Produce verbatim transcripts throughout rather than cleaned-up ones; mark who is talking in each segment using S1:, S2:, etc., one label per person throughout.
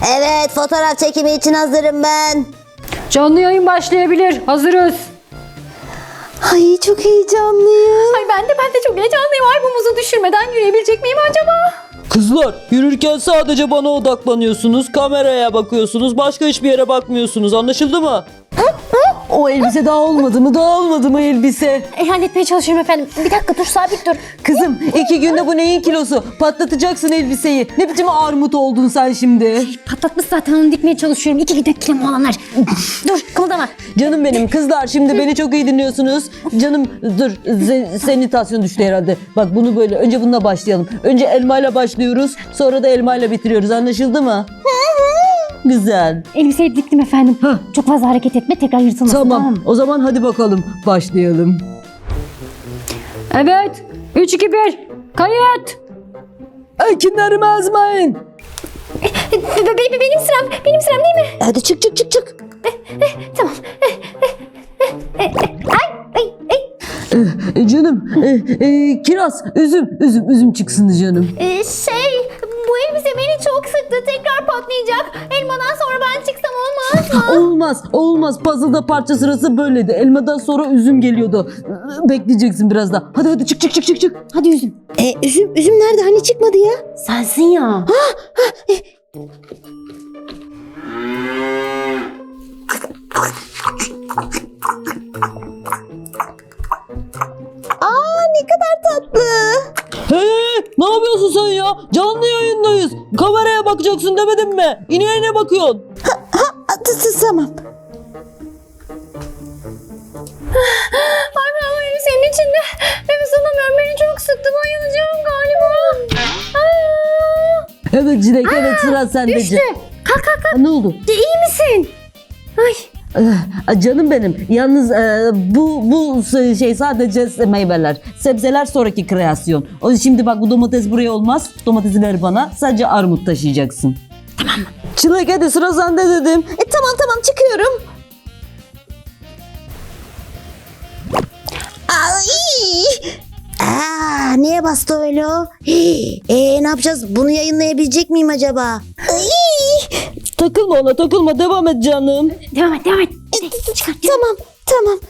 S1: Evet, fotoğraf çekimi için hazırım ben.
S2: Canlı yayın başlayabilir. Hazırız.
S1: Ay çok heyecanlıyım.
S2: Ay ben de ben de çok heyecanlıyım. Ay bu muzu düşürmeden yürüyebilecek miyim acaba?
S3: Kızlar, yürürken sadece bana odaklanıyorsunuz, kameraya bakıyorsunuz, başka hiçbir yere bakmıyorsunuz. Anlaşıldı mı?
S4: O elbise daha olmadı mı? Daha olmadı mı elbise?
S2: E, halletmeye çalışıyorum efendim. Bir dakika dur, sabit dur.
S4: Kızım iki günde bu neyin kilosu? Patlatacaksın elbiseyi. Ne biçim armut oldun sen şimdi?
S2: Patlatmış zaten, onu dikmeye çalışıyorum. İki gidek kilom olanlar. Dur kımıldama.
S4: Canım benim kızlar, şimdi beni çok iyi dinliyorsunuz. Canım dur, se- senitasyon düştü herhalde. Bak bunu böyle, önce bununla başlayalım. Önce elmayla başlıyoruz, sonra da elmayla bitiriyoruz. Anlaşıldı mı? Güzel.
S2: Elbiseyi diktim efendim. Çok fazla hareket etme, tekrar yırtılmasın.
S4: Tamam. O zaman hadi bakalım başlayalım.
S2: Evet. üç, iki, bir. Kayıt.
S4: Ekinlerimi ezmeyin.
S2: Be- be- benim sıram. Benim sıram değil mi?
S1: Hadi çık çık çık çık.
S2: Tamam. Ay ay ay.
S4: E, canım e, e, kiraz, üzüm, üzüm, üzüm çıksın canım.
S2: Ee, şey, bu elbise beni çok sıktı. Tekrar patlayacak. Elmadan sonra ben çıksam olmaz mı?
S4: Olmaz, olmaz. Puzzle'da parça sırası böyleydi. Elmadan sonra üzüm geliyordu. Bekleyeceksin biraz daha. Hadi hadi çık çık çık çık çık.
S2: Hadi üzüm.
S1: E, üzüm, üzüm nerede? Hani çıkmadı ya?
S2: Sensin ya.
S1: Aa ne kadar tatlı.
S3: Hey, ne yapıyorsun sen ya? Canlı yayındayız. Kameraya bakacaksın demedim mi? İneğine bakıyorsun.
S1: Ha, t- t- tamam.
S2: Ay ben bu elbisenin içinde nefes alamıyorum. Beni çok sıktı. Bayılacağım galiba. Aa,
S4: Evet Çilek, evet sıra sende.
S2: düştü. Kalk kalk kalk.
S4: Ne oldu?
S2: De, iyi misin? Ay.
S4: Ah, Canım benim. Yalnız e, bu bu şey sadece meyveler. Sebzeler sonraki kreasyon. O şimdi bak, bu domates buraya olmaz. Domatesi ver bana. Sadece armut taşıyacaksın. Tamam mı? Çilek hadi sıra sende dedim.
S1: E tamam tamam çıkıyorum. Ay. Aa, niye bastı öyle o? Hii, E, ne yapacağız? Bunu yayınlayabilecek miyim acaba? Ay.
S3: Takılma ona, takılma. Devam et canım.
S2: Devam et devam et.
S1: E, t- tamam tamam.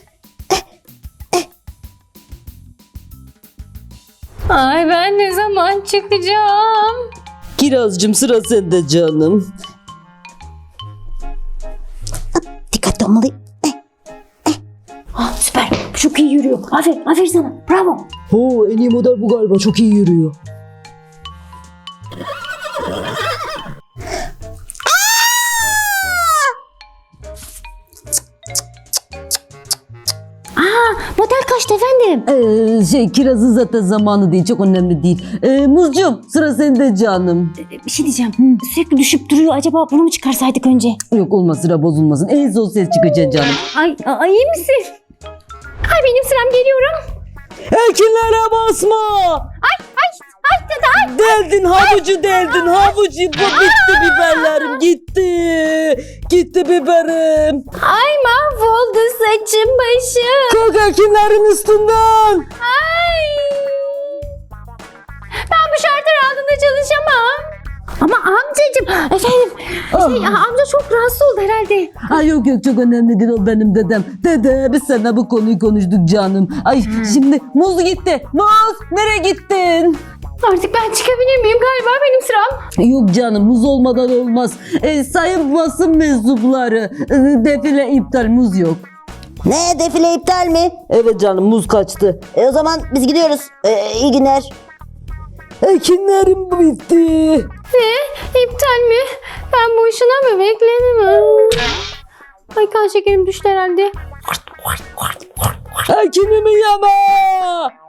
S2: Ay ben ne zaman çıkacağım?
S3: Kirazcığım, sıra sende canım.
S1: Dikkatli olmalıyım.
S2: Ah, süper. Çok iyi yürüyor. Aferin, aferin sana. Bravo.
S4: Oo, en iyi model bu galiba. Çok iyi yürüyor.
S2: Model kaçtı efendim?
S4: Ee, şey kirazın zaten zamanı değil. Çok önemli değil. Ee, Muzcuğum sıra sende canım.
S2: Bir şey diyeceğim. Sürekli düşüp duruyor. Acaba bunu mu çıkarsaydık önce?
S4: Yok olmaz, sıra bozulmasın. En son ses çıkacaksın canım.
S2: Ay, ay iyi misin? Ay benim sıram, geliyorum.
S3: Ekinlere basma.
S2: Ay ay ay ay.
S3: Deldin havucu, deldin havucu. Bu bitti biberlerim, gitti. Gitti biberim.
S2: Ay mahvoldu saçım başım.
S3: Kalk ekinlerin üstünden.
S2: Ay. Ben bu şartlar altında çalışamam. Ama amcacığım, efendim, şey, amca çok rahatsız oldu herhalde.
S4: Ay yok yok, çok önemli değil, o benim dedem. Dede biz seninle bu konuyu konuştuk canım. Ay şimdi Muz gitti. Muz nereye gittin?
S2: Artık ben çıkabilir miyim? Galiba benim sıram.
S4: Yok canım, Muz olmadan olmaz. E, sayın basın mensupları, e, defile iptal, Muz yok.
S1: Ne, defile iptal mi?
S3: Evet canım, muz kaçtı.
S1: E, o zaman biz gidiyoruz. E, iyi günler.
S3: Ekinlerim bitti.
S2: Ne? İptal mi? Ben boşuna mı bekledim? Ay kan şekerim düştü herhalde.
S3: Ekinimi yeme.